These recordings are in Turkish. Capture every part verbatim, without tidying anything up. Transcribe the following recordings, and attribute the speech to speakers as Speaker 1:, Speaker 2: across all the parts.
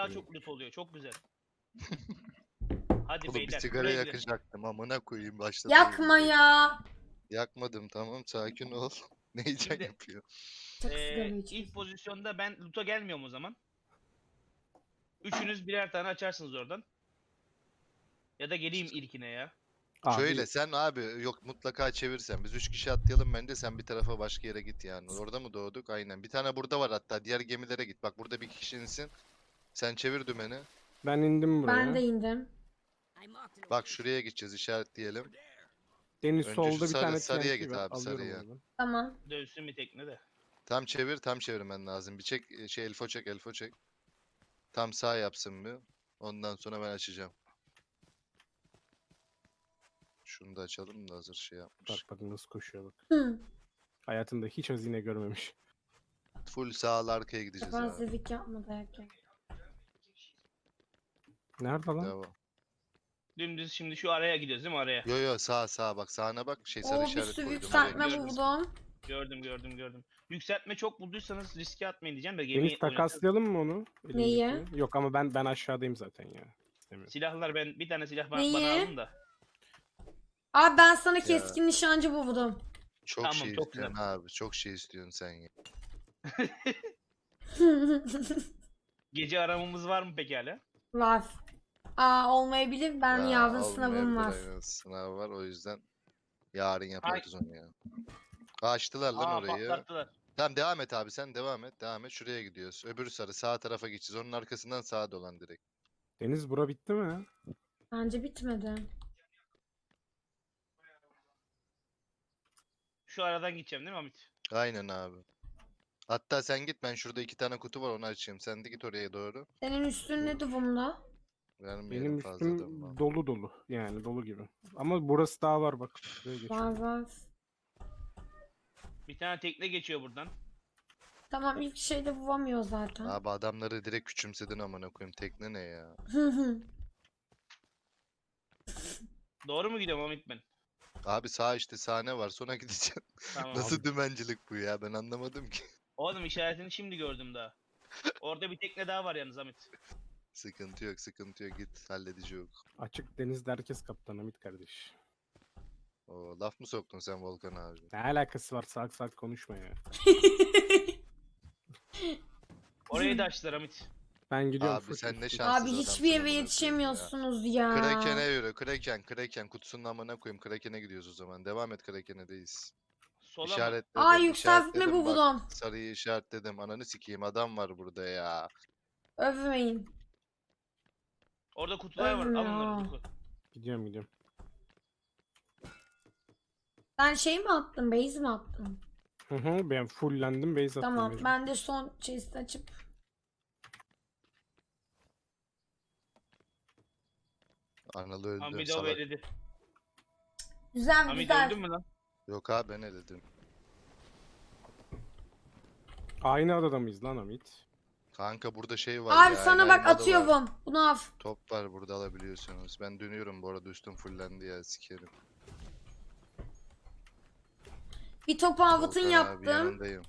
Speaker 1: daha çok loot oluyor. Çok güzel. Hadi
Speaker 2: Oğlum bir
Speaker 1: beyler.
Speaker 2: sigara
Speaker 1: buraya gidelim.
Speaker 2: yakacaktım amına koyayım başladı.
Speaker 3: Yakma ya.
Speaker 2: Yakmadım tamam sakin ol. Ne heyecan
Speaker 1: Şimdi-
Speaker 2: yapıyor.
Speaker 3: Çok sigara
Speaker 1: Ee,
Speaker 3: içiyorsun.
Speaker 1: ilk pozisyonda ben loot'a gelmiyorum o zaman. Üçünüz birer tane açarsınız oradan. Ya da geleyim ilkine ya.
Speaker 4: Abi,
Speaker 2: Şöyle sen abi yok mutlaka çevirsen. Biz üç kişi atlayalım bence sen bir tarafa başka yere git yani. Orada mı doğduk? Aynen. Bir tane burada var hatta. Diğer gemilere git. Bak burada bir kişi insin. Sen çevir dümeni.
Speaker 4: ben indim buraya.
Speaker 3: Ben de indim.
Speaker 2: Bak şuraya gideceğiz işaretleyelim.
Speaker 4: Deniz
Speaker 2: Önce
Speaker 4: solda
Speaker 2: şu
Speaker 4: bir
Speaker 2: sarı-
Speaker 4: tane
Speaker 2: sarıya
Speaker 4: T N T
Speaker 2: git
Speaker 4: var.
Speaker 2: abi,
Speaker 4: Alıyorum
Speaker 2: sarıya.
Speaker 4: oradan.
Speaker 3: Tamam.
Speaker 1: Dövsün bir tekne de.
Speaker 2: Tam çevir tam çevirmen lazım. Bir çek e, şey elfo çek elfo çek. Tam sağ yapsın bir. Ondan sonra ben açacağım. Şunu da açalım da hazır şey yapmış.
Speaker 4: Bak bak nasıl koşuyor bak.
Speaker 3: Hı.
Speaker 4: Hayatında hiç hazine görmemiş.
Speaker 2: Full sağ arkaya gideceğiz abi.
Speaker 3: Yapansızlık yapma dayak ye.
Speaker 4: Nerede lan?
Speaker 2: Devam.
Speaker 1: Dümdüz şimdi şu araya gidiyoruz değil mi araya?
Speaker 2: Yo yo sağ sağ bak sağına bak şey sarı
Speaker 3: Oo bir
Speaker 2: işaret
Speaker 3: sürü
Speaker 2: koydum.
Speaker 3: yükseltme
Speaker 2: oraya gideceğiz.
Speaker 3: buldum.
Speaker 1: Gördüm gördüm gördüm. Yükseltme çok bulduysanız riske atmayın diyeceğim de gemi
Speaker 4: Deniz
Speaker 1: oynatın.
Speaker 4: takaslayalım mı onu?
Speaker 3: Neyi?
Speaker 4: Elindeki? Yok ama ben ben aşağıdayım zaten ya. İstemiyorum.
Speaker 1: Silahlar ben bir tane silah ba-
Speaker 3: Neyi?
Speaker 1: bana alın da.
Speaker 3: Abi ben sana
Speaker 2: Ya.
Speaker 3: keskin nişancı buldum.
Speaker 2: Çok
Speaker 1: Tamam,
Speaker 2: şey
Speaker 1: çok
Speaker 2: istiyorsun abi. Çok şey istiyorsun sen ya.
Speaker 1: Gece aramamız var mı peki hala?
Speaker 3: Var. Aa olmayabilir. Ben
Speaker 2: Ya,
Speaker 3: yarın sınavım
Speaker 2: olmayabilir,
Speaker 3: var.
Speaker 2: aynen. Sınav var o yüzden yarın yaparız onu ya. Açtılar lan
Speaker 1: Aa
Speaker 2: orayı.
Speaker 1: patlattılar.
Speaker 2: Tamam devam et abi sen devam et. Devam et şuraya gidiyoruz. Öbür sarı sağ tarafa geçeceğiz. Onun arkasından sağa dolan direkt.
Speaker 4: Deniz bura bitti mi?
Speaker 3: Bence bitmedi.
Speaker 1: Şu aradan gideceğim değil mi Hamit?
Speaker 2: Aynen abi. Hatta sen git ben şurada iki tane kutu var onu açayım. Sen de git oraya doğru.
Speaker 3: Senin üstün ne durumda?
Speaker 2: Vermeyelim
Speaker 4: Benim
Speaker 2: fazla
Speaker 4: üstüm
Speaker 2: dönme.
Speaker 4: dolu dolu. Yani dolu gibi. Ama burası daha var bak. Şuraya
Speaker 3: Var
Speaker 4: geçiyorum.
Speaker 3: var.
Speaker 1: Bir tane tekne geçiyor buradan.
Speaker 3: Tamam ilk şeyde bulamıyor zaten.
Speaker 2: Abi adamları direkt küçümsedin amına koyayım. Tekne ne ya?
Speaker 3: Hı hı.
Speaker 1: Doğru mu gidiyorum Hamit ben?
Speaker 2: Abi sağ işte sahne var sonra gideceğim.
Speaker 1: Tamam.
Speaker 2: Nasıl dümencilik bu ya ben anlamadım ki.
Speaker 1: Oğlum işaretini şimdi gördüm daha. Orada bir tekne daha var yalnız Hamit.
Speaker 2: Sıkıntı yok sıkıntı yok git halledici yok.
Speaker 4: Açık denizde herkes kaptan Hamit kardeş.
Speaker 2: O laf mı soktun sen Volkan abi?
Speaker 4: Ne alakası var salak salak konuşma ya.
Speaker 1: Orayı da açtılar Hamit.
Speaker 4: Ben gidiyorum.
Speaker 2: Abi
Speaker 4: full
Speaker 2: sen ne
Speaker 4: üstüm.
Speaker 2: şanssız
Speaker 3: Abi
Speaker 2: adamsın
Speaker 3: hiçbir yere
Speaker 2: amına koyayım ya.
Speaker 3: yetişemiyorsunuz ya.
Speaker 2: Kraken'e yürü Kraken Kraken kutusunun amına koyayım Kraken'e gidiyoruz o zaman. Devam et Kraken'e'deyiz.
Speaker 1: Sola mı?
Speaker 2: İşaretledim.
Speaker 3: Aa yükseltme
Speaker 2: işaretledim, bak,
Speaker 3: buldum.
Speaker 2: sarıyı işaretledim. Ananı sikeyim adam var burada ya.
Speaker 3: Övmeyin.
Speaker 1: Orada kutular var. Al
Speaker 3: Ölmüyor.
Speaker 1: onları Utku.
Speaker 4: Gidiyorum gidiyorum.
Speaker 3: Sen şey mi attın? Base mi attın?
Speaker 4: Hı hı ben fulllendim base attım.
Speaker 3: Tamam
Speaker 4: mecbur.
Speaker 3: ben de son chest açıp.
Speaker 2: Anıl öldü
Speaker 1: Hamid o
Speaker 2: salak.
Speaker 1: beledi.
Speaker 3: Güzel
Speaker 1: Hamid
Speaker 3: güzel.
Speaker 1: öldün mü lan?
Speaker 2: Yok abi ben ne dedim.
Speaker 4: Aynı adada mıyız lan Hamit?
Speaker 2: Kanka burada şey var
Speaker 3: Abi
Speaker 2: ya.
Speaker 3: sana bak
Speaker 2: Elmalı var.
Speaker 3: atıyorum. Bunu al.
Speaker 2: Top var burada alabiliyorsunuz. Ben dönüyorum bu arada üstüm fullendi ya sikerim.
Speaker 3: Bir topu avutun
Speaker 2: Volkan abi
Speaker 3: yaptım.
Speaker 2: yanındayım.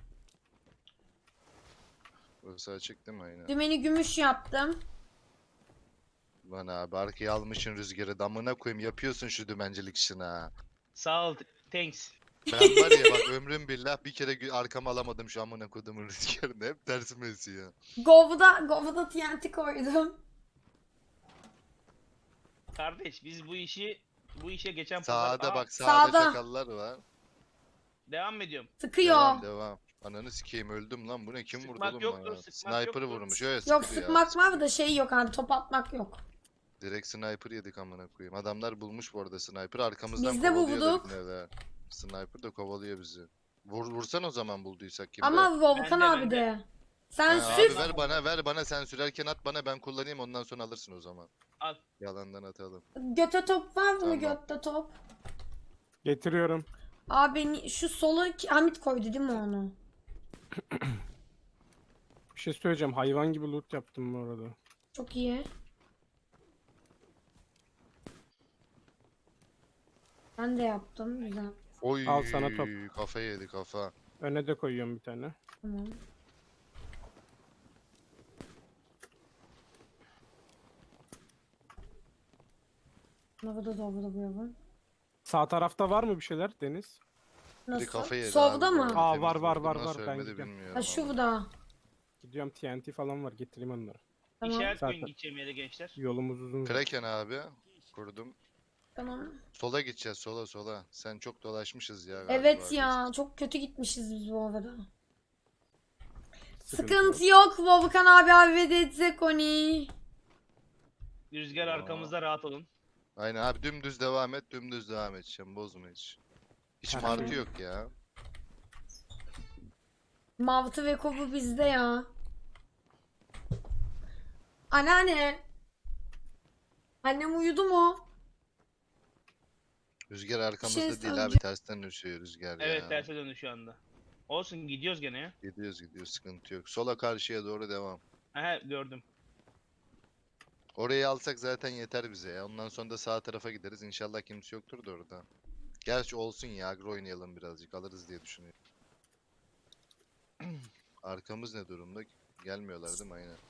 Speaker 2: Burası açık değil mi aynen?
Speaker 3: Dümeni gümüş yaptım.
Speaker 2: Lan abi arkaya almışın rüzgarı damına koyayım yapıyorsun şu dümencilik işini ha.
Speaker 1: Sağ ol. Thanks.
Speaker 2: Ben var ya bak ömrüm billah bir kere gü- arkama alamadım şu amına kodumun rüzgarını hep tersime esiyor.
Speaker 3: Gov'da, Gov'da T N T koydum.
Speaker 1: Kardeş biz bu işi bu işe geçen pazar...
Speaker 2: Sağda
Speaker 1: Aa,
Speaker 2: bak sağda,
Speaker 3: sağda.
Speaker 2: çakallar var.
Speaker 1: devam ediyorum.
Speaker 3: Sıkıyor.
Speaker 2: Devam devam. Ananı sikeyim öldüm lan bu ne kim vurdu
Speaker 1: Sıkmak
Speaker 2: oğlum
Speaker 1: yoktur,
Speaker 2: bana?
Speaker 1: sıkmak
Speaker 2: Sniper'ı
Speaker 1: yoktur.
Speaker 2: vurmuş öyle
Speaker 3: Yok
Speaker 2: sıktı ya.
Speaker 3: sıkmak var da şey yok abi top atmak yok.
Speaker 2: Direkt sniper yedik amına koyayım. Adamlar bulmuş bu arada sniper arkamızdan
Speaker 3: Biz de
Speaker 2: kovalıyor da
Speaker 3: bulduk.
Speaker 2: yine de. Sniper de kovalıyor bizi. Vur, vursan o zaman bulduysak kimde?
Speaker 3: Ama Volkan
Speaker 1: Bende,
Speaker 3: abi
Speaker 1: bende.
Speaker 3: de. Sen
Speaker 2: Ha,
Speaker 3: sür.
Speaker 2: abi ver bana ver bana sen sürerken at bana ben kullanayım ondan sonra alırsın o zaman.
Speaker 1: Al.
Speaker 2: Yalandan atalım.
Speaker 3: Göte top var mı
Speaker 2: Tamam.
Speaker 3: götte top?
Speaker 4: Getiriyorum.
Speaker 3: Abi ni- şu sola ki- Hamit koydu değil mi onu?
Speaker 4: Bir şey söyleyeceğim. Hayvan gibi loot yaptım bu arada.
Speaker 3: Çok iyi. Ben de yaptım güzel.
Speaker 2: Oy
Speaker 4: Al sana top.
Speaker 2: kafa yedi kafa.
Speaker 4: Öne de koyuyorum bir tane.
Speaker 3: Tamam. Burada da burada bu.
Speaker 4: Sağ tarafta var mı bir şeyler Deniz?
Speaker 2: Biri
Speaker 3: Nasıl?
Speaker 2: kafa yedi
Speaker 3: Solda
Speaker 2: abi,
Speaker 3: mı?
Speaker 2: böyle
Speaker 4: Aa,
Speaker 2: temiz
Speaker 4: var, var,
Speaker 2: vurdum,
Speaker 4: var,
Speaker 2: nasıl
Speaker 4: var. Ben
Speaker 2: ölmedi
Speaker 4: gidiyorum.
Speaker 2: bilmiyorum
Speaker 3: Ha
Speaker 2: ama.
Speaker 3: şurada.
Speaker 4: Gidiyorum, T N T falan var, getireyim onları.
Speaker 3: Tamam.
Speaker 1: İşaret koyun
Speaker 4: Zaten.
Speaker 1: gideceğim yere gençler.
Speaker 4: Yolumuz uzun.
Speaker 2: Kraken abi. Kurdum.
Speaker 3: Tamam.
Speaker 2: Sola gideceğiz, sola sola. Sen çok dolaşmışız ya galiba
Speaker 3: Evet
Speaker 2: biz.
Speaker 3: ya çok kötü gitmişiz biz bu arada.
Speaker 4: Sıkıntı
Speaker 3: Sıkıntı yok. Volkan abi abi ve edecek onu.
Speaker 1: Rüzgar
Speaker 2: Aa.
Speaker 1: arkamızda, rahat olun.
Speaker 2: Aynen abi, dümdüz devam et, dümdüz devam edeceğim, bozma hiç. Hiç
Speaker 4: Hı hı.
Speaker 2: martı yok ya.
Speaker 3: Mavtı ve kopu bizde ya. Anneanne. Annem uyudu mu?
Speaker 2: Rüzgar arkamızda
Speaker 3: şey
Speaker 2: değil abi,
Speaker 3: söyleyeceğim.
Speaker 2: tersten düşüyor rüzgar ya.
Speaker 1: Evet, terse döndü şu anda. Olsun, gidiyoruz gene ya.
Speaker 2: Gidiyoruz gidiyoruz, sıkıntı yok. Sola karşıya doğru devam.
Speaker 1: Aha, gördüm.
Speaker 2: Orayı alsak zaten yeter bize ya. Ondan sonra da sağ tarafa gideriz. İnşallah kimse yoktur da orada. Gerçi olsun ya, agro oynayalım birazcık, alırız diye düşünüyorum. Arkamız ne durumda? Gelmiyorlar değil mi? Aynen.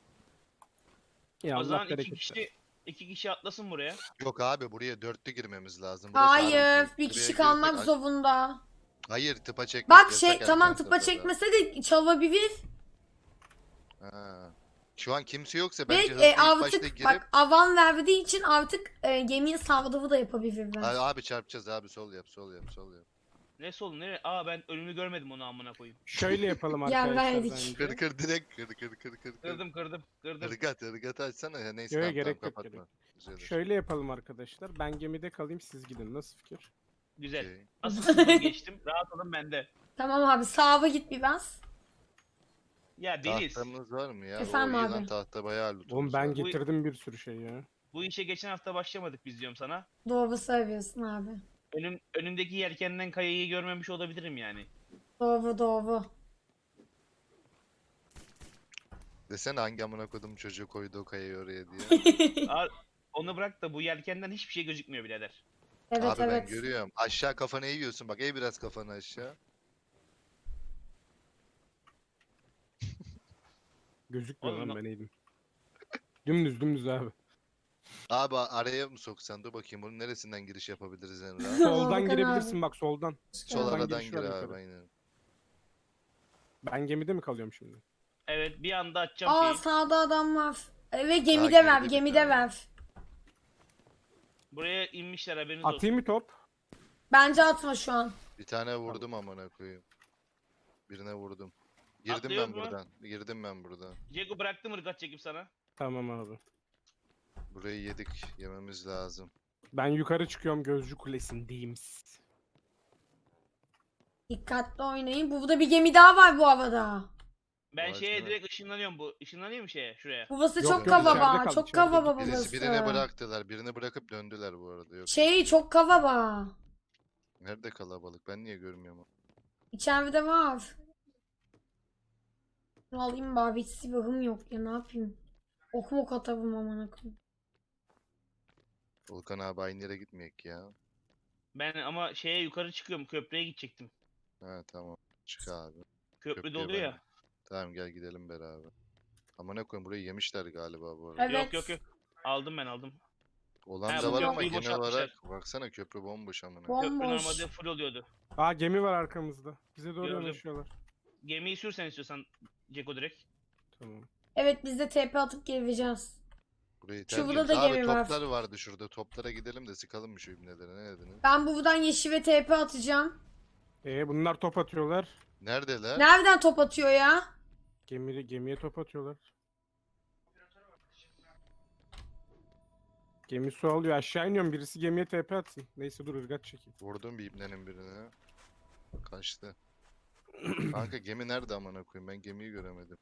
Speaker 4: Ya
Speaker 1: O
Speaker 4: Allah
Speaker 1: zaman iki
Speaker 4: bereket versin.
Speaker 1: kişi iki kişi atlasın buraya.
Speaker 2: Yok abi, buraya dörtlü girmemiz lazım. Burası
Speaker 3: Hayır.
Speaker 2: aranıyor.
Speaker 3: Bir
Speaker 2: Buraya
Speaker 3: kişi
Speaker 2: girsek
Speaker 3: kalmak
Speaker 2: aç-
Speaker 3: zorunda.
Speaker 2: Hayır, tıpa çekmek
Speaker 3: Bak
Speaker 2: yasak
Speaker 3: şey
Speaker 2: erken
Speaker 3: tamam tıpa
Speaker 2: safhada.
Speaker 3: çekmese de çalabilir.
Speaker 2: Ha. Şu an kimse yoksa
Speaker 3: Ve
Speaker 2: bence hızlı
Speaker 3: e,
Speaker 2: ilk başta
Speaker 3: artık
Speaker 2: girip...
Speaker 3: bak avan verdiği için artık e, gemiye saldırı da yapabilirler.
Speaker 2: Abi, abi çarpacağız abi, sol yap sol yap sol yap.
Speaker 1: Ne solun nereye? Aa, ben önümü görmedim, onu amına koyayım.
Speaker 4: Şöyle yapalım
Speaker 3: Ya
Speaker 4: arkadaşlar
Speaker 3: verdik.
Speaker 4: bence.
Speaker 2: Kır kır direkt kır kır kır kır kır.
Speaker 1: Kırdım kırdım kırdım.
Speaker 2: Irgat ırgat açsana ya, neyse
Speaker 4: Yo, yo,
Speaker 2: tamam,
Speaker 4: gerek
Speaker 2: tamam,
Speaker 4: yok, gerek
Speaker 2: kapatma. Güzel.
Speaker 4: Şöyle yapalım arkadaşlar. Ben gemide kalayım, siz gidin. Nasıl fikir?
Speaker 1: Güzel.
Speaker 2: Okey.
Speaker 1: Asıl sıfır geçtim. Rahat olun bende.
Speaker 3: Tamam abi sağa git biraz.
Speaker 1: Ya Deniz,
Speaker 2: Tahtamız var mı ya?
Speaker 3: Efendim
Speaker 2: o iyi
Speaker 3: abi.
Speaker 2: lan, tahta bayağı lootumuz
Speaker 4: Oğlum ben
Speaker 2: var.
Speaker 4: getirdim bir sürü şey ya.
Speaker 1: bu işe geçen hafta başlamadık biz, diyorum sana.
Speaker 3: Doğru söylüyorsun abi.
Speaker 1: Önüm, önümdeki yelkenden kayayı görmemiş olabilirim yani.
Speaker 3: Doğru doğru.
Speaker 2: Desene hangi amına kodum çocuğu koydu o kayayı oraya diye.
Speaker 1: Aa, onu bırak da bu yelkenden hiçbir şey gözükmüyor birader.
Speaker 3: Evet
Speaker 2: Abi ben
Speaker 3: evet.
Speaker 2: görüyorum. Aşağı kafanı eğiyorsun, bak eğ biraz kafanı aşağı.
Speaker 4: Gözükmüyor
Speaker 1: Oğlum
Speaker 4: lan,
Speaker 1: lan-
Speaker 4: ben eğdim. Dümdüz dümdüz abi.
Speaker 2: Abi araya mı soksan, dur bakayım bunun neresinden giriş yapabiliriz en rahat.
Speaker 4: Soldan
Speaker 3: Volkan
Speaker 4: girebilirsin
Speaker 3: abi.
Speaker 4: bak, soldan.
Speaker 2: Sol
Speaker 4: Soldan
Speaker 2: aradan
Speaker 4: giriş
Speaker 2: gir
Speaker 4: var
Speaker 2: abi,
Speaker 4: yukarı.
Speaker 2: aynen.
Speaker 4: Ben gemide mi kalıyorum şimdi?
Speaker 1: Evet, bir anda açacağım
Speaker 3: Aa
Speaker 1: şeyi.
Speaker 3: sağda adam var. E, ve gemide
Speaker 2: girdi
Speaker 3: ver
Speaker 2: bir
Speaker 3: gemide
Speaker 2: tane.
Speaker 3: ver.
Speaker 1: Buraya inmişler, haberiniz olsun.
Speaker 4: Atayım mı top?
Speaker 3: Bence atma şu an.
Speaker 2: Bir tane vurdum amına koyayım. Birine vurdum. Girdim
Speaker 1: Atlıyor
Speaker 2: ben
Speaker 1: mu?
Speaker 2: buradan. Girdim ben buradan.
Speaker 1: Ceko bıraktım ırgat çekip sana.
Speaker 4: Tamam abi.
Speaker 2: Burayı yedik. Yememiz lazım.
Speaker 4: Ben yukarı çıkıyorum, Gözcü Kulesi'ndeyim.
Speaker 3: Dikkatli oynayın. Burada bir gemi daha var bu havada.
Speaker 1: Ben
Speaker 2: Vay
Speaker 1: şeye
Speaker 2: canına.
Speaker 1: direkt ışınlanıyorum bu. Işınlanıyor mu şeye? Şuraya.
Speaker 3: Burası
Speaker 4: Yok,
Speaker 3: çok
Speaker 2: yok,
Speaker 3: kavaba.
Speaker 4: içeride kal,
Speaker 3: Çok
Speaker 4: içeride.
Speaker 3: kavaba
Speaker 2: Birisi
Speaker 3: burası.
Speaker 2: birini bıraktılar. Birini bırakıp döndüler bu arada. Yok.
Speaker 3: Şey çok kavaba.
Speaker 2: Nerede kalabalık? Ben niye görmüyorum?
Speaker 3: İçeride var. Bunu alayım bari. Hiç silahım yok ya ne yapayım. Ok mok atarım amına koyayım.
Speaker 2: Volkan abi aynı yere gitmeyek ya.
Speaker 1: Ben ama şeye yukarı çıkıyorum. Köprüye gidecektim.
Speaker 2: Ha tamam. Çık abi.
Speaker 1: Köprü
Speaker 2: Köprüye
Speaker 1: doluyor
Speaker 2: ben-
Speaker 1: ya.
Speaker 2: Tamam gel gidelim beraber. Ama ne koyayım, burayı yemişler galiba bu arada.
Speaker 3: Evet.
Speaker 1: Yok yok yok. Aldım ben aldım.
Speaker 2: Olan
Speaker 1: Ha,
Speaker 2: da
Speaker 3: bu
Speaker 2: var ama
Speaker 3: köprüyü
Speaker 2: genel
Speaker 1: boşaltmışlar.
Speaker 2: olarak baksana köprü bomboş amına.
Speaker 3: Bom-
Speaker 1: Köprü
Speaker 3: Bomboş.
Speaker 1: normalde full oluyordu.
Speaker 4: Aa, gemi var arkamızda. Bize doğru
Speaker 1: Gördüm.
Speaker 4: yanaşıyorlar.
Speaker 1: Gemiyi sürsen istiyorsan Ceko direkt.
Speaker 4: Tamam.
Speaker 3: Evet biz de T P atıp geleceğiz.
Speaker 2: Burayı
Speaker 3: Şu
Speaker 2: terk
Speaker 3: burada da
Speaker 2: ediyoruz. Abi
Speaker 3: gemi var.
Speaker 2: toplar vardı şurada. Toplara gidelim de sıkalım mı şu ibneleri, ne dediniz?
Speaker 3: Ben buradan yeşile T P atacağım.
Speaker 4: Ee, bunlar top atıyorlar.
Speaker 2: Neredeler?
Speaker 3: Nereden top atıyor ya?
Speaker 4: Gemi, gemiye top atıyorlar. Gemi su alıyor. Aşağı iniyorum. Birisi gemiye T P atsın. Neyse dur, ırgat çekeyim.
Speaker 2: Vurdum bir ibnenin birine. Kaçtı. Kanka gemi nerede amına koyayım? Ben gemiyi göremedim.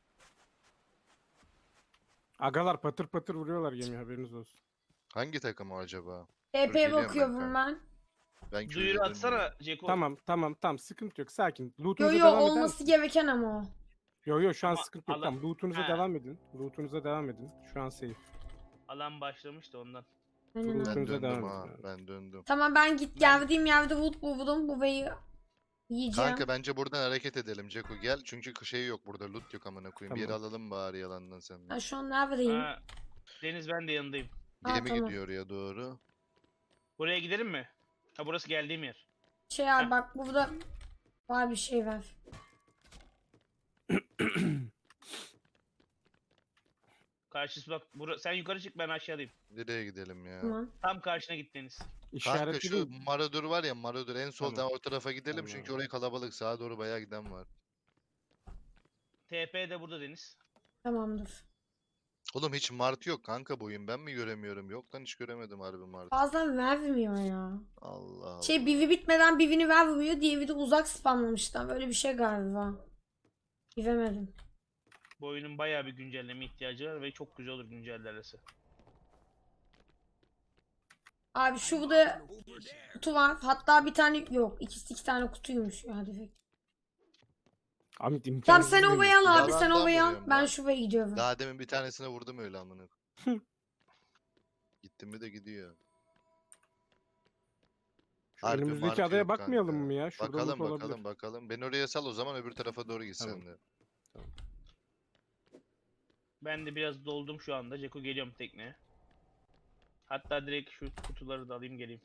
Speaker 4: Agalar patır patır vuruyorlar gemi, haberiniz olsun.
Speaker 2: Hangi takım o acaba?
Speaker 3: T P'ye
Speaker 2: geliyorum ben
Speaker 3: bakıyorum
Speaker 2: kanka.
Speaker 3: ben.
Speaker 2: Ben
Speaker 1: Duyuru
Speaker 2: köyde
Speaker 1: atsana Ceko.
Speaker 4: Tamam tamam tamam, sıkıntı yok, sakin.
Speaker 3: Yo
Speaker 4: Lootunuza
Speaker 3: yo
Speaker 4: devam eder
Speaker 3: olması
Speaker 4: misin?
Speaker 3: gereken ama o.
Speaker 4: Yo yo şu an
Speaker 1: Ama
Speaker 4: sıkıntı yok,
Speaker 1: alan-
Speaker 4: tamam. Lootunuza
Speaker 1: Ha.
Speaker 4: devam edin. Lootunuza devam edin. Şu an safe.
Speaker 1: Alan başlamış da ondan.
Speaker 3: Aynen
Speaker 4: Dur,
Speaker 3: abi.
Speaker 2: Ben
Speaker 4: Lootunuza
Speaker 2: döndüm
Speaker 4: devam
Speaker 2: ha.
Speaker 4: edin abi.
Speaker 2: Ben döndüm.
Speaker 3: Tamam ben git geldiğim yerde wood buldum. Bu beyi yiyeceğim.
Speaker 2: Kanka bence buradan hareket edelim Ceko, gel. Çünkü şey yok burada, loot yok amına koyayım. Bir yere
Speaker 4: Tamam.
Speaker 2: alalım bari yalandan sen.
Speaker 3: Ben şu an neredeyim?
Speaker 1: Ha, Deniz ben de yanındayım.
Speaker 3: Ha,
Speaker 2: Gemi
Speaker 3: tamam.
Speaker 2: gidiyor oraya doğru.
Speaker 1: Buraya gidelim mi? Ha burası geldiğim yer.
Speaker 3: Şey abi bak burada var bir şey var.
Speaker 1: Karşısı bak. Bura, sen yukarı çık ben aşağıdayım.
Speaker 2: Nereye gidelim ya?
Speaker 3: Tamam.
Speaker 1: Tam karşına git Deniz.
Speaker 2: Kanka
Speaker 4: İşaretli
Speaker 2: şu
Speaker 4: değil.
Speaker 2: Maradur var ya, Maradur en soldan
Speaker 4: Tamam.
Speaker 2: o tarafa gidelim çünkü
Speaker 4: Tamam.
Speaker 2: oraya kalabalık, sağa doğru bayağı giden var.
Speaker 1: T P de burada Deniz.
Speaker 3: Tamamdır.
Speaker 2: Oğlum hiç Mart yok kanka bu oyun, ben mi göremiyorum? Yok lan, hiç göremedim harbi Mart.
Speaker 3: Bazen vermiyor ya.
Speaker 2: Allah Allah.
Speaker 3: Şey bivi bitmeden bivini vermiyor. Diğeri de uzak spamlamışlar. Böyle bir şey galiba. Bilemedim.
Speaker 1: Bu oyunun bayağı bir güncelleme ihtiyacı var ve çok güzel olur güncellerse.
Speaker 3: Abi şurada kutu var. Hatta bir tane yok. İkisi iki tane kutuymuş ya hadi.
Speaker 4: Ahmet
Speaker 3: Tamam
Speaker 4: imkansız
Speaker 3: sen
Speaker 4: değil.
Speaker 3: ovayı al abi sen
Speaker 2: Yalandan
Speaker 3: ovayı al.
Speaker 2: vuruyorum
Speaker 3: Ben
Speaker 2: lan.
Speaker 3: şuraya gidiyorum.
Speaker 2: Daha demin bir tanesine vurdum öyle amına. Gittim mi de gidiyor.
Speaker 4: Şu
Speaker 2: Harbi
Speaker 4: önümüzdeki
Speaker 2: Mart
Speaker 4: adaya
Speaker 2: yok
Speaker 4: bakmayalım
Speaker 2: kanka.
Speaker 4: mı ya? Şurada
Speaker 2: Bakalım
Speaker 4: loot
Speaker 2: bakalım
Speaker 4: olabilir.
Speaker 2: bakalım. Beni oraya sal o zaman, öbür tarafa doğru git
Speaker 4: Tamam.
Speaker 2: sen de.
Speaker 1: Ben de biraz doldum şu anda. Ceko geliyorum tekneye. Hatta direkt şu kutuları da alayım geleyim.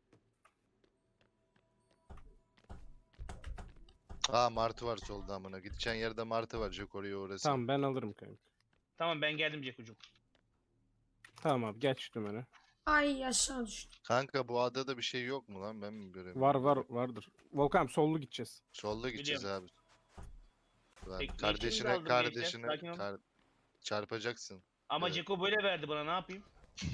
Speaker 2: Aa martı var solda amına. Gideceğin yerde martı var. Jok oraya orası.
Speaker 4: Tamam ben alırım kanka.
Speaker 1: Tamam ben geldim Ceko'cum.
Speaker 4: Tamam abi geç şu dümene.
Speaker 3: Ay aşağı düştüm.
Speaker 2: Kanka bu adada bir şey yok mu lan? Ben mi göremiyorum?
Speaker 4: Var var vardır. Volkan sollu gideceğiz.
Speaker 2: Solda gideceğiz abi. Lan
Speaker 1: Tekneyi
Speaker 2: kardeşine
Speaker 1: şimdi aldım gençler,
Speaker 2: kardeşine
Speaker 1: sakin ol.
Speaker 2: kar- çarpacaksın.
Speaker 1: Ama
Speaker 2: Evet.
Speaker 1: Ceko böyle verdi bana ne yapayım?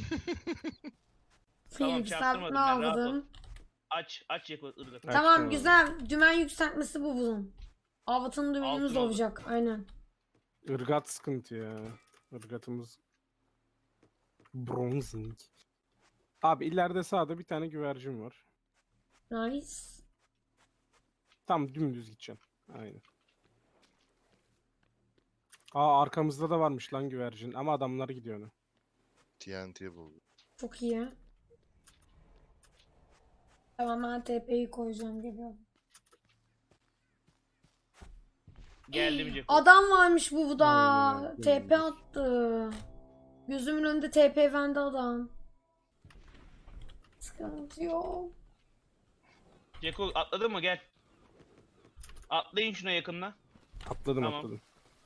Speaker 3: Film
Speaker 1: Tamam, çaktırmadım
Speaker 3: yükseltme
Speaker 1: ben, rahat ol.
Speaker 3: aldım.
Speaker 1: Aç aç Ceko ırgatı.
Speaker 4: Açtım
Speaker 3: Tamam
Speaker 4: abi.
Speaker 3: güzel. Dümen yükseltmesi bu bunun. Avatanın dümenimiz
Speaker 1: Altın oldu.
Speaker 3: olacak. Aynen.
Speaker 4: Irgat sıkıntı ya. Irgatımız bronzing. Abi ileride sağda bir tane güvercin var.
Speaker 3: Nice.
Speaker 4: Tam dümdüz gideceğim. Aynen. Aa arkamızda da varmış lan güvercin ama adamlar gidiyor ona.
Speaker 2: T N T buldu.
Speaker 3: Çok iyi. Tamam ben T P'yi koyacağım geliyorum.
Speaker 1: Geldim Ceko.
Speaker 3: Adam varmış burada.
Speaker 4: Aynen öyle,
Speaker 3: T P
Speaker 4: dümdüz.
Speaker 3: attı. Gözümün önünde T P vende adam. Sıkıntı yok.
Speaker 1: Ceko atladın mı gel. Atlayın şuna yakınına.
Speaker 4: Atladım
Speaker 1: Tamam.
Speaker 4: atladım.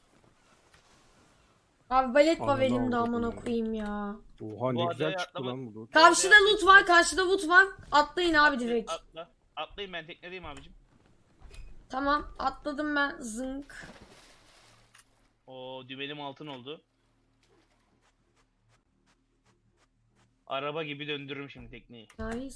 Speaker 3: Abi balet var
Speaker 4: Ananı
Speaker 3: elimde
Speaker 4: avradım
Speaker 3: amına
Speaker 4: ya.
Speaker 3: koyayım ya.
Speaker 4: Oha ne
Speaker 1: Bu
Speaker 4: güzel
Speaker 1: adaya
Speaker 4: çıktı
Speaker 1: atlama-
Speaker 4: lan bu loot.
Speaker 3: Karşıda loot var, karşıda loot var. Atlayın abi direkt.
Speaker 1: Atla. Atlayın ben teknedeyim abicim.
Speaker 3: Tamam, atladım ben. Zınk.
Speaker 1: O dübelim altın oldu. Araba gibi döndürürüm şimdi tekneyi.
Speaker 3: Nice.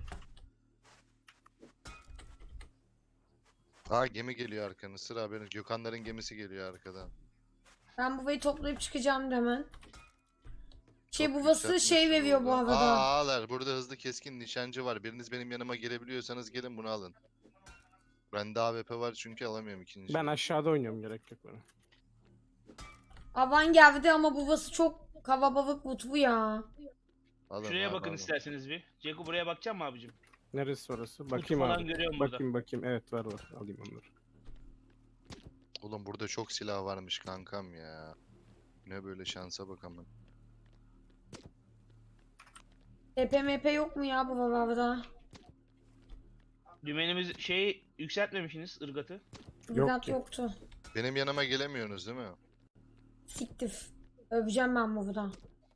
Speaker 2: Aa gemi geliyor arkanı. Sıra haberin. Gökhanların gemisi geliyor arkadan.
Speaker 3: Ben bu vayı toplayıp çıkacağım da hemen. Şey
Speaker 2: Çok
Speaker 3: buvası
Speaker 2: yükseltmişsin
Speaker 3: şey veriyor bu
Speaker 2: burada.
Speaker 3: arada.
Speaker 2: Aa ağalar. Burada hızlı keskin nişancı var. Biriniz benim yanıma gelebiliyorsanız gelin bunu alın. Bende A W P var çünkü alamıyorum ikinci.
Speaker 4: Ben aşağıda oynuyorum gerek yok bana.
Speaker 3: Avan geldi ama buvası çok kalabalık mutlu ya.
Speaker 2: Alın
Speaker 1: Şuraya
Speaker 2: abi,
Speaker 1: bakın
Speaker 2: alın.
Speaker 1: isterseniz bir. Ceko buraya bakacak mı abicim?
Speaker 4: Neresi orası?
Speaker 1: Kutu
Speaker 4: Bakayım
Speaker 1: falan
Speaker 4: abi.
Speaker 1: görüyorum burada.
Speaker 4: Bakayım bakayım. Evet var var. Alayım onları.
Speaker 2: Oğlum burada çok silah varmış kankam ya. Ne böyle şansa bakalım.
Speaker 3: T P M P yok mu ya bu arada?
Speaker 1: Dümenimiz şey yükseltmemişsiniz ırgatı.
Speaker 3: Bilgat
Speaker 4: ki.
Speaker 3: yoktu.
Speaker 2: Benim yanıma gelemiyorsunuz değil mi?
Speaker 3: Siktir. Öveceğim ben burada.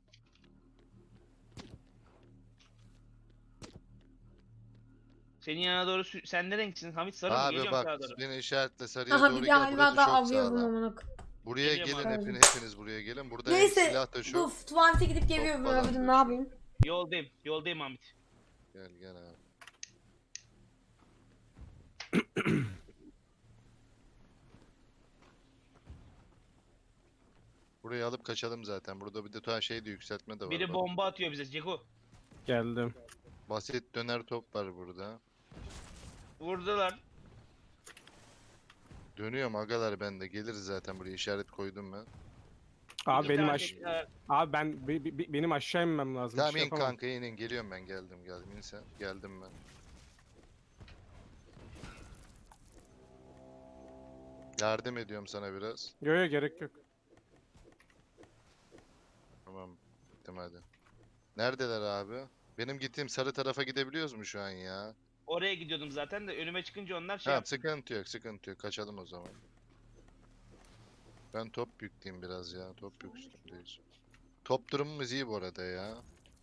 Speaker 1: Senin yanına doğru sü- sen ne renksin? Hamit sarı mı?
Speaker 2: Abi
Speaker 1: Geliyorum sağa
Speaker 2: bak
Speaker 1: doğru.
Speaker 2: beni işaretle sarıya
Speaker 3: Aha
Speaker 2: doğru
Speaker 3: bir
Speaker 2: gel.
Speaker 3: daha
Speaker 2: Burası
Speaker 3: hayvan
Speaker 2: çok
Speaker 3: avlıyorum
Speaker 2: sağlam.
Speaker 3: amına koyayım.
Speaker 2: Buraya
Speaker 1: Geliyorum
Speaker 2: gelin
Speaker 3: abi.
Speaker 2: hepiniz, hepiniz buraya gelin. Burada
Speaker 3: Neyse,
Speaker 2: silah da
Speaker 3: Dur
Speaker 2: çok.
Speaker 3: tuvalete gidip geliyorum
Speaker 2: falan
Speaker 3: övdüm ne
Speaker 2: diyor.
Speaker 3: yapayım?
Speaker 1: Yoldayım. Yoldayım Hamit.
Speaker 2: Gel gel abi. Burayı alıp kaçalım zaten. Burada bir de tuğan şey de yükseltme de var.
Speaker 1: Biri
Speaker 2: bak.
Speaker 1: bomba atıyor bize. Ceko.
Speaker 4: Geldim.
Speaker 2: Basit döner top var burada.
Speaker 1: Vurdular.
Speaker 2: Dönüyorum agalar, ben de geliriz zaten, buraya işaret koydum ben.
Speaker 4: Abi
Speaker 1: İki
Speaker 4: benim
Speaker 1: tane
Speaker 4: aş
Speaker 1: tekne-
Speaker 4: Abi ben be- be- benim aşağı inmem lazım.
Speaker 2: Tamam
Speaker 4: Bir şey
Speaker 2: in
Speaker 4: yapamam.
Speaker 2: kanka, in in, geliyorum ben, geldim geldim, in sen, geldim ben. Yardım ediyorum sana biraz.
Speaker 4: Yo yo gerek yok.
Speaker 2: Tamam. Gittim hadi. Neredeler abi? Benim gittiğim sarı tarafa gidebiliyoruz mu şu an ya?
Speaker 1: Oraya gidiyordum zaten de önüme çıkınca onlar şey
Speaker 2: Tamam
Speaker 1: yaptı.
Speaker 2: sıkıntı yok sıkıntı yok. Kaçalım o zaman. Ben top yükleyeyim biraz ya. Top yükleyeyim. Top durumumuz iyi bu arada ya.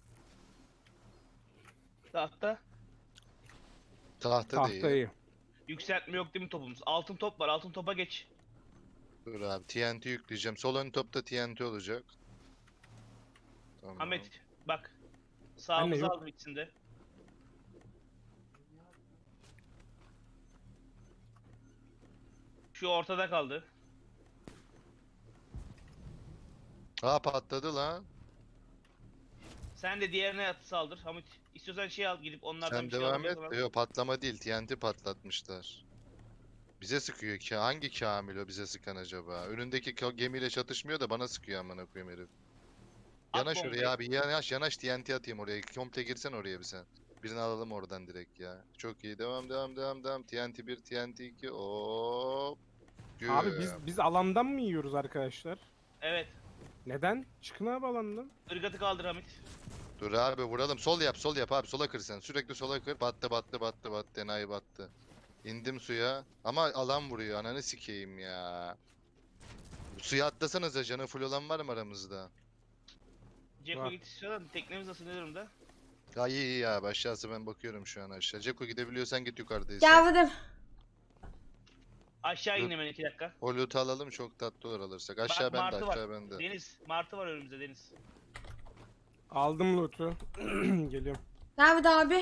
Speaker 1: Tahta.
Speaker 2: Tahta, da iyi.
Speaker 4: Tahtayı.
Speaker 1: Yükseltme yok değil mi topumuz? Altın top var. Altın topa geç.
Speaker 2: Dur abi T N T yükleyeceğim. Sol ön topta T N T olacak. Tamam.
Speaker 1: Ahmet bak. Sağımızı
Speaker 4: yok.
Speaker 1: aldım ikisinde. Şu ortada kaldı.
Speaker 2: Aa patladı lan.
Speaker 1: Sen de diğerine at saldır. Hamit istiyorsan şey al gidip onlardan
Speaker 2: Sen
Speaker 1: bir şey
Speaker 2: devam
Speaker 1: alacak
Speaker 2: et.
Speaker 1: olan.
Speaker 2: Yok patlama değil. T N T patlatmışlar. Bize sıkıyor ki. Hangi Kamil o bize sıkan acaba? Önündeki ka- gemiyle çatışmıyor da bana sıkıyor amına koyayım herif.
Speaker 1: At
Speaker 2: Yanaş
Speaker 1: bombayı.
Speaker 2: oraya abi. Yanaş yanaş T N T atayım oraya. Komple girsen oraya bir sen. Birini alalım oradan direkt ya. Çok iyi. Devam devam devam devam. T N T bir, T N T iki. Hop.
Speaker 4: Abi biz
Speaker 2: Güm.
Speaker 4: biz alandan mı yiyoruz arkadaşlar?
Speaker 1: Evet.
Speaker 4: Neden? Çıkın abi alandan.
Speaker 1: Irgatı kaldır Hamit.
Speaker 2: Dur abi vuralım. Sol yap, sol yap abi. Sola kır sen. Sürekli sola kır. Battı, battı, battı, battı. Enayi battı. İndim suya. Ama alan vuruyor. Ananı sikeyim ya. Suya atlasanıza. Canı full olan var mı aramızda?
Speaker 1: Ceko
Speaker 4: Var.
Speaker 1: git istiyorsan teknemiz nasıl ne durumda?
Speaker 2: Ya iyi iyi ya. Aşağısı ben bakıyorum şu an aşağı. Ceko gidebiliyorsan git yukarıdayız.
Speaker 3: Geldim.
Speaker 1: Aşağı
Speaker 2: Dur.
Speaker 1: in hemen iki dakika.
Speaker 2: O loot'u alalım. Çok tatlı olur alırsak. Aşağı bende,
Speaker 1: martı var.
Speaker 2: aşağı bende.
Speaker 1: Deniz. Martı var önümüzde Deniz.
Speaker 4: Aldım loot'u. Geliyorum.
Speaker 3: Nerede abi?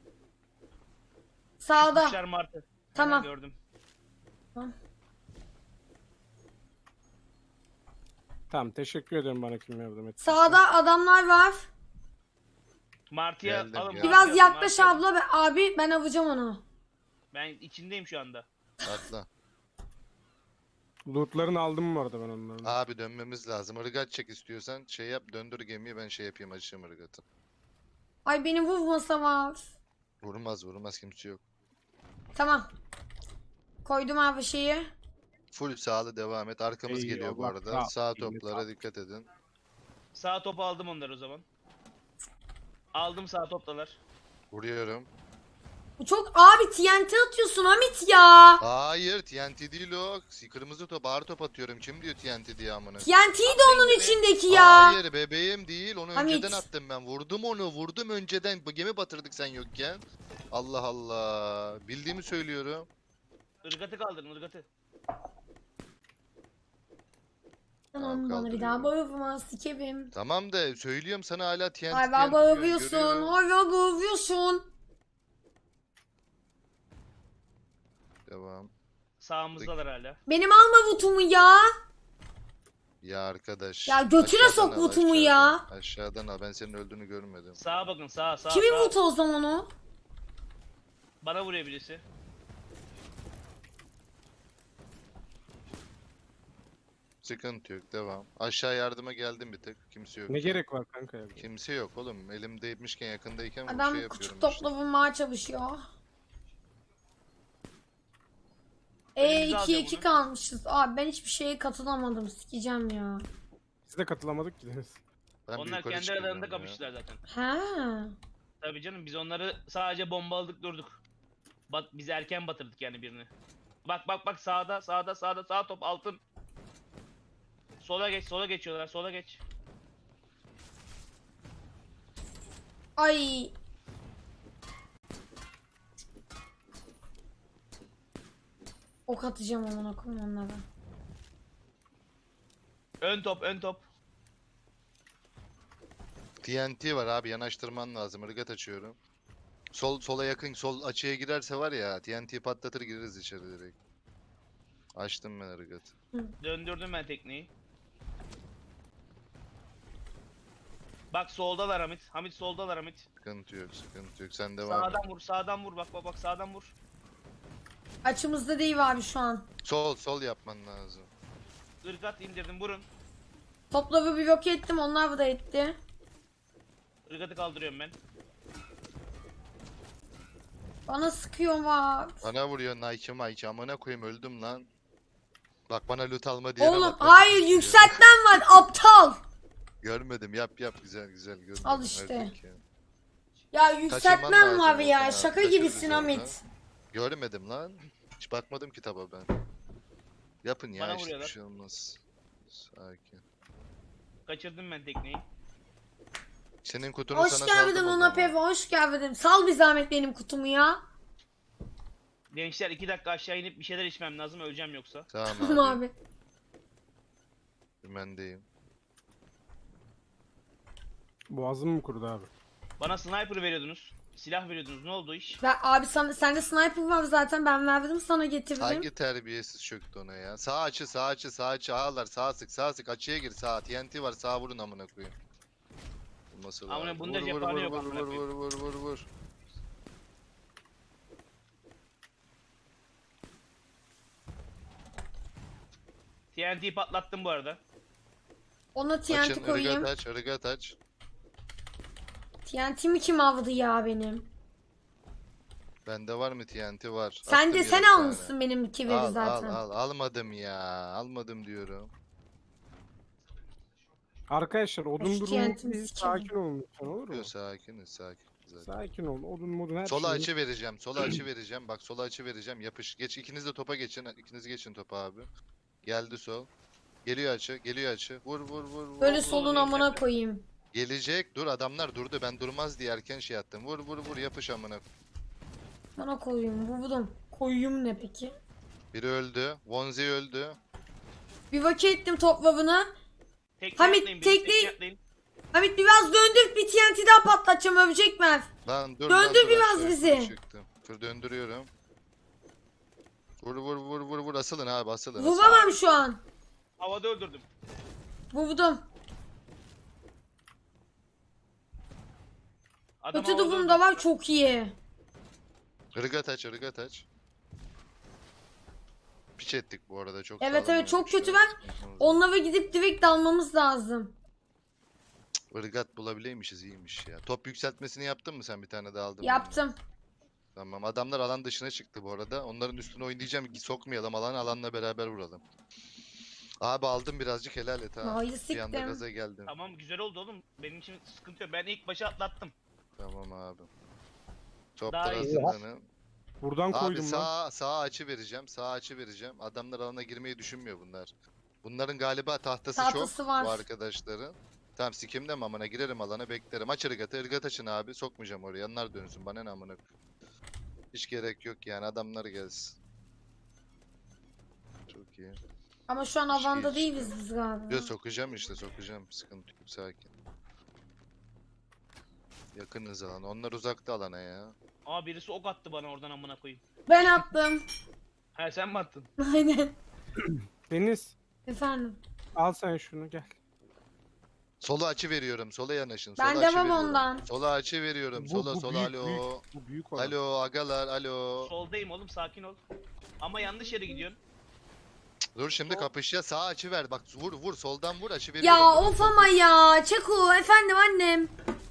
Speaker 3: Sağda.
Speaker 1: Kuşlar martı.
Speaker 3: Tamam.
Speaker 1: Hemen gördüm.
Speaker 4: Tamam teşekkür ederim bana kim yardım etti.
Speaker 3: Sağda adamlar var.
Speaker 1: Martıya
Speaker 2: Geldim,
Speaker 1: alın.
Speaker 2: geldim.
Speaker 1: martıyı
Speaker 3: Biraz
Speaker 1: alın,
Speaker 3: yaklaş
Speaker 1: martıyı alın.
Speaker 3: abla. Be- Abi ben avacağım onu.
Speaker 1: Ben içindeyim şu anda.
Speaker 2: Atla.
Speaker 4: Loot'larını aldım bu arada ben onların.
Speaker 2: Abi dönmemiz lazım. Irgat çek istiyorsan. Şey yap. Döndür gemiyi. Ben şey yapayım. Açayım ırgatı.
Speaker 3: Ay beni vurmasa var.
Speaker 2: Vurmaz vurmaz. Kimse yok.
Speaker 3: Tamam. Koydum abi şeyi.
Speaker 2: Full sağlı devam et. Arkamız
Speaker 4: İyi,
Speaker 2: geliyor bu
Speaker 4: Allah
Speaker 2: arada.
Speaker 4: sağ-
Speaker 2: Sağ
Speaker 4: iyi,
Speaker 2: toplara
Speaker 4: sağ-
Speaker 2: dikkat edin.
Speaker 1: Sağ topu aldım onları o zaman. Aldım sağ toptalar.
Speaker 2: Vuruyorum.
Speaker 3: Bu çok abi T N T atıyorsun Hamit ya.
Speaker 2: Hayır T N T değil o. Kırmızı top ağır top atıyorum. Kim diyor T N T diye amına?
Speaker 3: T N T'yi de onun içindeki ya.
Speaker 2: Hayır bebeğim değil. Onu
Speaker 3: Hamit.
Speaker 2: önceden attım ben. Vurdum onu. Vurdum önceden. Bu gemi batırdık sen yokken. Allah Allah. Bildiğimi söylüyorum.
Speaker 1: Irgatı kaldırın ırgatı.
Speaker 3: Tamam bana bir
Speaker 2: kaldırıyorum.
Speaker 3: daha bağırma sikerim.
Speaker 2: Tamam da söylüyorum sana hala T N T.
Speaker 3: Ay
Speaker 2: T N
Speaker 3: ben
Speaker 2: T
Speaker 3: bağırıyorsun.
Speaker 2: görüyorum.
Speaker 3: Ay ben bağırıyorsun.
Speaker 2: Devam.
Speaker 1: Sağımızdalar hala.
Speaker 3: Benim alma vutumu ya.
Speaker 2: Ya arkadaş.
Speaker 3: Ya götüne
Speaker 2: aşağıdan
Speaker 3: sok
Speaker 2: al,
Speaker 3: vutumu
Speaker 2: aşağıdan.
Speaker 3: ya.
Speaker 2: Aşağıdan al. Ben senin öldüğünü görmedim.
Speaker 1: Sağa bakın sağa sağa
Speaker 3: Kimin
Speaker 1: sağa.
Speaker 3: vutu o zaman o?
Speaker 1: Bana vuruyor birisi.
Speaker 2: Sıkıntı yok. Devam. Aşağı yardıma geldim bir tık. Kimse yok.
Speaker 4: Ne gerek var kanka ya?
Speaker 2: Kimse yok oğlum. Elimdeymişken yakındayken bu
Speaker 3: Adam
Speaker 2: şey yapıyorum
Speaker 3: küçük
Speaker 2: işte.
Speaker 3: topla vurmaya çalışıyor. E
Speaker 1: Elimize
Speaker 3: iki
Speaker 1: alacağım
Speaker 3: iki
Speaker 1: onu.
Speaker 3: kalmışız. Abi ben hiçbir şeye katılamadım. Sikeceğim ya.
Speaker 4: Biz de katılamadık ki Deniz.
Speaker 2: Ben bir
Speaker 1: Onlar
Speaker 2: yukarı
Speaker 1: kendi
Speaker 2: çıkıyorum
Speaker 1: aralarında
Speaker 2: ya.
Speaker 1: kapıştılar zaten.
Speaker 3: Ha.
Speaker 1: Tabii canım biz onları sadece bombaladık durduk. Bat, biz erken batırdık yani birini. Bak bak bak sağda sağda sağda sağ top altın. Sola geç sola geçiyorlar sola geç.
Speaker 3: Ay. Ok atacağım amına koyayım onlara.
Speaker 1: Ön top ön top.
Speaker 2: T N T var abi yanaştırman lazım. Irgat açıyorum. Sol sola yakın sol açıya girerse var ya T N T patlatır gireriz içeri direkt. Açtım ben ırgatı.
Speaker 1: Döndürdüm ben tekneyi. Bak soldalar Hamit. Hamit soldalar Hamit.
Speaker 2: Sıkıntı yok sıkıntı yok. Sen devam et.
Speaker 1: Sağdan vur sağdan vur bak bak bak sağdan vur.
Speaker 3: Açımızda değil abi şu an.
Speaker 2: Sol sol yapman lazım.
Speaker 1: Irgat indirdim vurun.
Speaker 3: Topları bir yok ettim. Onlar da etti.
Speaker 1: Irgatı kaldırıyorum ben.
Speaker 3: Bana sıkıyor var.
Speaker 2: Bana vuruyor Nike Mike. Amına koyayım öldüm lan. Bak bana loot alma diye
Speaker 3: Oğlum
Speaker 2: bak. bak,
Speaker 3: hayır
Speaker 2: bak,
Speaker 3: yükseltmen var aptal.
Speaker 2: Görmedim yap yap güzel güzel görmedim.
Speaker 3: Al işte.
Speaker 2: Erkek ya.
Speaker 3: Ya yükseltmem
Speaker 2: lazım
Speaker 3: var ya.
Speaker 2: Volkan abi,
Speaker 3: Şaka
Speaker 2: kaçırırız
Speaker 3: gibisin
Speaker 2: orada.
Speaker 3: Hamit.
Speaker 2: Görmedim lan. Hiç bakmadım kitaba ben. Yapın ya
Speaker 1: Bana
Speaker 2: işte bir
Speaker 1: vuruyorlar.
Speaker 2: şey olmaz. Sakin.
Speaker 1: Kaçırdım ben tekneyi.
Speaker 2: Senin kutunu
Speaker 3: Hoş
Speaker 2: sana
Speaker 3: geldin
Speaker 2: saldım o
Speaker 3: Luna
Speaker 2: zaman.
Speaker 3: Peve, hoş geldin. Sal bir zahmet benim kutumu ya.
Speaker 1: Gençler iki dakika aşağı inip bir şeyler içmem lazım, öleceğim yoksa.
Speaker 2: Tamam
Speaker 3: Tamam
Speaker 2: abi.
Speaker 3: abi.
Speaker 2: Dümendeyim.
Speaker 4: Boğazım mı kurudu abi?
Speaker 1: Bana sniper veriyordunuz. Silah veriyordunuz. Ne oldu o iş?
Speaker 3: Ben, abi sana, sende sniper var zaten, ben verdim sana, getirdim.
Speaker 2: Hangi terbiyesiz çöktü ona ya? Sağ açı, sağ açı, sağ açı, ağlar, sağ sık, sağ sık, açıya gir, sağ. T N T var, sağ vurun amına koyayım. Vurması
Speaker 1: Amına
Speaker 2: lazım.
Speaker 1: bunda
Speaker 2: Vur, vur,
Speaker 1: cephane
Speaker 2: vur,
Speaker 1: yok
Speaker 2: vur,
Speaker 1: amına
Speaker 2: vur,
Speaker 1: koyayım.
Speaker 2: vur, vur, vur, vur.
Speaker 1: T N T'yi patlattım bu arada.
Speaker 3: Ona T N T
Speaker 2: Açın,
Speaker 3: koyayım.
Speaker 2: ırgat aç, ırgat aç.
Speaker 3: T N T mi kim aldı ya benim?
Speaker 2: Bende var mı T N T var.
Speaker 3: Sen
Speaker 2: Attım
Speaker 3: de
Speaker 2: yere
Speaker 3: sen
Speaker 2: bir tane.
Speaker 3: almışsın benim iki veri
Speaker 2: Al,
Speaker 3: zaten.
Speaker 2: al, al. Almadım ya. Almadım diyorum.
Speaker 4: Arkadaşlar odun
Speaker 3: Hoş
Speaker 4: durumu
Speaker 3: geldin,
Speaker 4: değil.
Speaker 3: sikerim.
Speaker 4: Sakin olun lütfen, olur mu?
Speaker 2: Yok sakiniz, sakin. Zaten.
Speaker 4: Sakin olun. Odun modun her
Speaker 2: Sola
Speaker 4: şey.
Speaker 2: açı vereceğim, sola açı vereceğim. Bak sola açı vereceğim. Yapış. Geç ikiniz de topa geçin. İkiniz geçin topa abi. Geldi sol. Geliyor açı, geliyor açı. Vur vur vur vur.
Speaker 3: Böyle
Speaker 2: vur.
Speaker 3: solun
Speaker 1: vur,
Speaker 3: amına
Speaker 1: yükseltme.
Speaker 3: koyayım.
Speaker 2: Gelecek. Dur adamlar durdu. Ben durmaz diye erken şey attım. Vur vur vur yapış amına.
Speaker 3: Bana koyayım, vurdum. Koyayım ne peki?
Speaker 2: Biri öldü. Vonzi öldü.
Speaker 3: Bir vakit ettim toplavını.
Speaker 1: Tekne
Speaker 3: Hamit,
Speaker 1: atlayın, benim
Speaker 3: tekneyi-
Speaker 1: tekne atlayın.
Speaker 3: Hamit biraz döndür, bir T N T daha patlatacağım, övecek mi?
Speaker 2: Lan dur
Speaker 3: Döndür
Speaker 2: lan, dur
Speaker 3: biraz
Speaker 2: aşağı
Speaker 3: bizi.
Speaker 2: yukarı çıktım. Dur döndürüyorum. Vur vur vur vur vur asılın abi asılın. asılın.
Speaker 3: Vuramam şu an.
Speaker 1: Havada öldürdüm.
Speaker 3: Vurdum.
Speaker 1: Adam
Speaker 3: Kötü
Speaker 1: havada
Speaker 3: duvum da
Speaker 1: öldürdüm.
Speaker 3: var, çok iyi.
Speaker 2: Irgat aç ırgat aç. Piç ettik bu arada çok
Speaker 3: Evet,
Speaker 2: sağlam
Speaker 3: evet, çok
Speaker 2: oynamışlar.
Speaker 3: kötü var.
Speaker 2: Sıkıntımız yok.
Speaker 3: Onlara gidip direkt dalmamız lazım.
Speaker 2: Irgat bulabileymişiz iyiymiş ya. Top yükseltmesini yaptın mı sen bir tane daha aldın mı?
Speaker 3: Yaptım.
Speaker 2: Tamam adamlar alan dışına çıktı bu arada. Onların üstüne oynayacağım ki sokmayalım alanı alanla beraber vuralım. Abi aldım birazcık helal et ha.
Speaker 3: Hayır,
Speaker 2: Bir anda
Speaker 3: siktim.
Speaker 2: gaza geldim.
Speaker 1: Tamam güzel oldu oğlum. Benim için sıkıntı yok. Ben ilk başa atlattım.
Speaker 2: Tamam abi.
Speaker 1: Daha
Speaker 2: Toplar
Speaker 1: iyi.
Speaker 2: hazırlanın.
Speaker 4: Buradan
Speaker 2: Abi
Speaker 4: koydum lan.
Speaker 2: sağ sağ açı vereceğim. Sağ açı vereceğim. Adamlar alana girmeyi düşünmüyor bunlar. Bunların galiba tahtası,
Speaker 3: Tahtası
Speaker 2: çok
Speaker 3: var.
Speaker 2: bu arkadaşların. Tamam sikimde mi amına girerim alana beklerim. Aç ırgatı ırgat açın abi. Sokmayacağım oraya. Onlar dönsün bana ne amına. Hiç gerek yok yani adamlar gelsin. Çok iyi.
Speaker 3: Ama şu an
Speaker 2: Hiç
Speaker 3: avanda
Speaker 2: iyi
Speaker 3: değiliz
Speaker 2: işte.
Speaker 3: biz galiba.
Speaker 2: Yo sokacağım işte sokacağım. Sıkıntı yok sakin. Yakınız alan. Onlar uzakta alana ya.
Speaker 1: Aa birisi ok attı bana oradan amına koyayım.
Speaker 3: Ben attım.
Speaker 1: He sen mi attın?
Speaker 3: Aynen.
Speaker 4: Deniz
Speaker 3: Efendim.
Speaker 4: al sen şunu gel.
Speaker 2: Sola açı veriyorum. Sola yanaşın.
Speaker 3: Ben
Speaker 2: sola
Speaker 3: de
Speaker 2: açı
Speaker 3: var
Speaker 2: veriyorum.
Speaker 3: ondan.
Speaker 2: Sola açı veriyorum.
Speaker 4: Bu-
Speaker 2: sola
Speaker 4: bu
Speaker 2: sola
Speaker 4: büyük,
Speaker 2: alo.
Speaker 4: büyük. Bu büyük olan.
Speaker 2: Alo agalar alo.
Speaker 1: Soldayım oğlum, sakin ol. Ama yanlış yere gidiyorsun.
Speaker 2: Dur şimdi
Speaker 1: Sol.
Speaker 2: kapışya sağ açı ver. Bak vur vur soldan vur açı
Speaker 3: Ya
Speaker 2: veriyorum. Vur,
Speaker 3: of
Speaker 2: vur,
Speaker 3: ama
Speaker 2: vur.
Speaker 3: ya. Çeko efendim annem.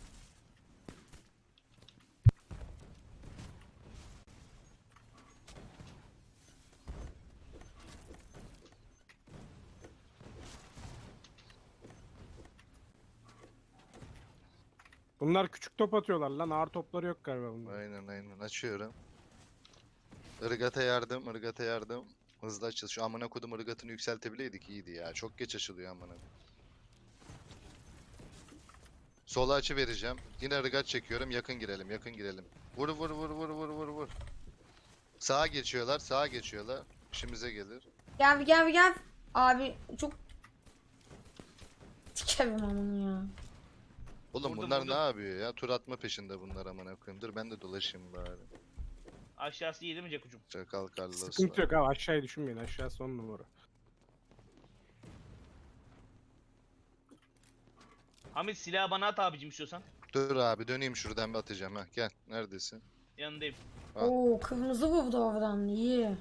Speaker 4: Bunlar küçük top atıyorlar lan. Ağır topları yok galiba bunlar.
Speaker 2: Aynen aynen açıyorum. Irgata yardım, ırgata yardım. Hızlı açıl. Şu amına kodum ırgatını yükseltebileydik iyiydi ya. Çok geç açılıyor amına. Sola açı vereceğim. Yine ırgat çekiyorum. Yakın girelim, yakın girelim. Vur vur vur vur vur vur vur. Sağa geçiyorlar, sağa geçiyorlar. İşimize gelir.
Speaker 3: Gel bir gel bir gel. Abi çok... Sikerim onu ya.
Speaker 2: Oğlum
Speaker 1: Vurdum,
Speaker 2: bunlar
Speaker 1: vurdum.
Speaker 2: ne yapıyor ya? Tur atma peşinde bunlar amına koyayım. Dur ben de dolaşayım bari.
Speaker 1: Aşağısı iyi değil mi Cekucum?
Speaker 2: Çakal Carlos.
Speaker 4: Sıkıntı yok abi, aşağıya düşünmeyin. Aşağı son numara.
Speaker 1: Hamit silahı bana at abicim istiyorsan.
Speaker 2: Dur abi döneyim şuradan bir atacağım ha. Gel. Neredesin?
Speaker 1: Yanındayım.
Speaker 2: Ha.
Speaker 3: Oo, kırmızı vurdu oradan. İyi.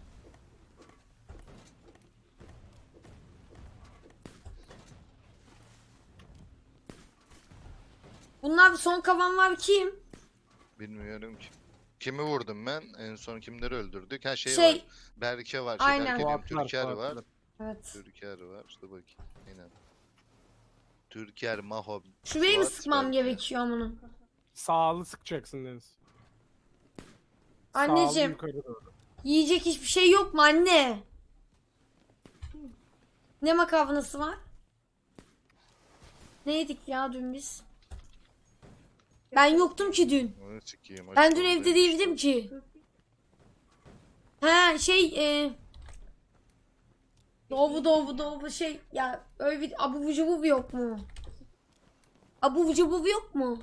Speaker 3: Bunlar son kalan var kim?
Speaker 2: Bilmiyorum ki. Kimi vurdum ben? En son kimleri öldürdük? Ha şey,
Speaker 3: Şey,
Speaker 2: var. Berke var. Şey,
Speaker 3: aynen.
Speaker 2: Berke diyorum.
Speaker 4: Fuatlar,
Speaker 2: Türker var.
Speaker 4: Fuatlar.
Speaker 3: evet.
Speaker 2: Türker var. Dur bakayım. Aynen. Türker, Maho.
Speaker 3: Şurayı mı
Speaker 2: Fuat,
Speaker 3: sıkmam
Speaker 2: Berke.
Speaker 3: gerekiyor amına?
Speaker 4: Sağlı sıkacaksın Deniz. Sağlı
Speaker 3: Anneciğim
Speaker 4: yukarı doğru.
Speaker 3: yiyecek hiçbir şey yok mu anne? Ne makarnası var? Ne yedik ya dün biz? Ben yoktum ki dün.
Speaker 2: Onu sikeyim.
Speaker 3: Ben
Speaker 2: aç
Speaker 3: dün evde
Speaker 2: oradayım
Speaker 3: değildim
Speaker 2: işte.
Speaker 3: ki. Ha şey e, Doğu doğu doğu şey ya öyle bir abu cubu yok mu? Abu cubu yok mu?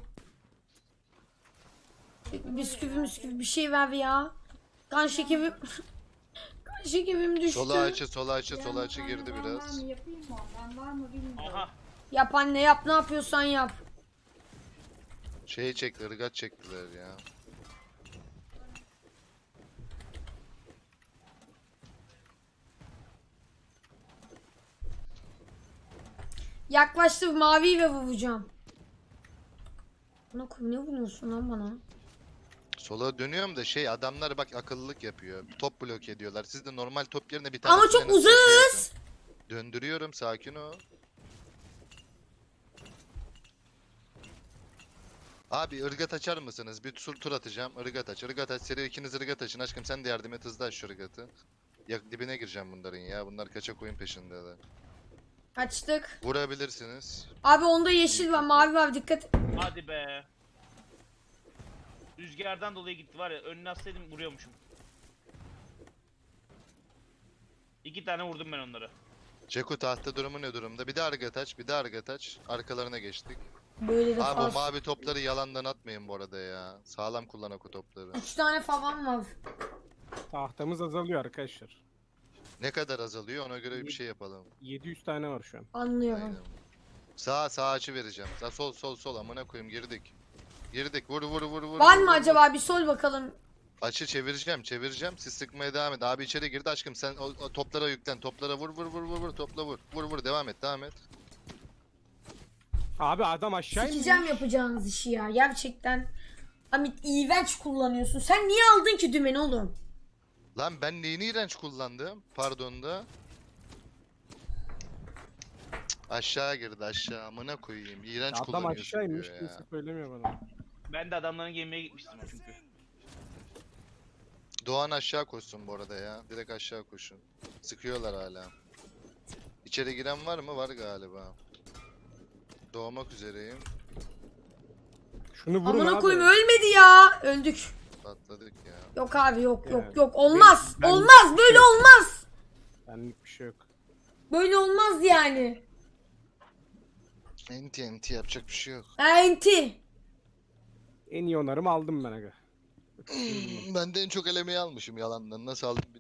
Speaker 3: Bisküvi bisküvi bir şey ver ya. Kan şekerim kan şekerim düştü.
Speaker 2: Sola açı, sola açı, sola açı girdi
Speaker 5: Ben
Speaker 2: biraz.
Speaker 5: var mı yapayım mı? Ben var mı bilmiyorum.
Speaker 1: Aha.
Speaker 3: Yap anne yap ne yapıyorsan yap.
Speaker 2: Şeyi çekti, ırgat çektiler ya.
Speaker 3: Yaklaştı maviyi ve vuracağım. Bana koy ne vuruyorsun lan bana?
Speaker 2: Sola dönüyorum da şey adamlar bak akıllılık yapıyor. Top blok ediyorlar. Siz de normal top yerine bir tane
Speaker 3: Ama çok uzağız.
Speaker 2: Döndürüyorum, sakin ol. Abi ırgat açar mısınız? Bir tur tur atacağım. Irgat aç. Irgat aç. Seri ikiniz ırgat açın. Aşkım sen de yardım et. Hızlı aç şu ırgatı. Ya dibine gireceğim bunların ya. Bunlar kaçak oyun peşindeler.
Speaker 3: Açtık.
Speaker 2: Vurabilirsiniz.
Speaker 3: Abi onda yeşil var mavi var dikkat.
Speaker 1: Hadi be. Rüzgardan dolayı gitti var ya, önüne atsaydım vuruyormuşum. İki tane vurdum ben onlara.
Speaker 2: Ceku tahta durumu ne durumda? Bir daha ırgat aç. Bir daha ırgat aç. Arkalarına geçtik.
Speaker 3: Böyle de
Speaker 2: Abi o
Speaker 3: fazla.
Speaker 2: mavi topları yalandan atmayın bu arada ya. Sağlam kullan o topları.
Speaker 3: Üç tane falan var.
Speaker 4: Tahtamız azalıyor arkadaşlar.
Speaker 2: Ne kadar azalıyor ona göre bir şey yapalım.
Speaker 4: yedi yüz tane var şu an.
Speaker 3: Anlıyorum.
Speaker 2: Aynen. Sağ sağ açı vereceğim. Sağ sol sol sol amına koyayım girdik. Girdik vur vur vur vur.
Speaker 3: Var
Speaker 2: vur,
Speaker 3: mı
Speaker 2: vur,
Speaker 3: acaba bir sol bakalım.
Speaker 2: vur. Açı çevireceğim çevireceğim. Siz sıkmaya devam et. Abi içeri girdi aşkım sen o, o toplara yüklen. Toplara vur vur vur vur vur topla vur. Vur vur devam et devam et.
Speaker 4: Abi adam aşağı
Speaker 3: Sikeceğim
Speaker 4: inmiş.
Speaker 3: yapacağınız işi ya gerçekten. Amit iğrenç kullanıyorsun. Sen niye aldın ki dümeni oğlum?
Speaker 2: Lan ben neyini iğrenç kullandım? Pardon da. Cık, aşağı girdi aşağı amına koyayım. İğrenç
Speaker 4: Adam
Speaker 2: kullanıyorsun
Speaker 4: aşağı inmiş
Speaker 2: diyor
Speaker 4: kimse
Speaker 2: ya.
Speaker 4: söylemiyor bana.
Speaker 1: Ben de adamların gemiye gitmiştim çünkü.
Speaker 2: Doğan aşağı koşsun bu arada ya. Direkt aşağı koşun. Sıkıyorlar hala. İçeri giren var mı? Var galiba. Doğmak üzereyim.
Speaker 4: Şunu vurun
Speaker 3: Amına
Speaker 4: abi.
Speaker 3: koyayım ölmedi ya. Öldük.
Speaker 2: Patladık ya.
Speaker 3: Yok abi yok yok
Speaker 4: Yani
Speaker 3: yok olmaz.
Speaker 4: ben-
Speaker 3: olmaz böyle
Speaker 4: Yok.
Speaker 3: olmaz.
Speaker 4: Benlik bir şey yok.
Speaker 3: Böyle olmaz yani.
Speaker 2: Enti enti yapacak bir şey yok.
Speaker 3: Enti.
Speaker 4: En iyi onarımı aldım ben aga.
Speaker 2: Ben de en çok elemeyi almışım yalandan. Nasıl aldım bilmiyorum.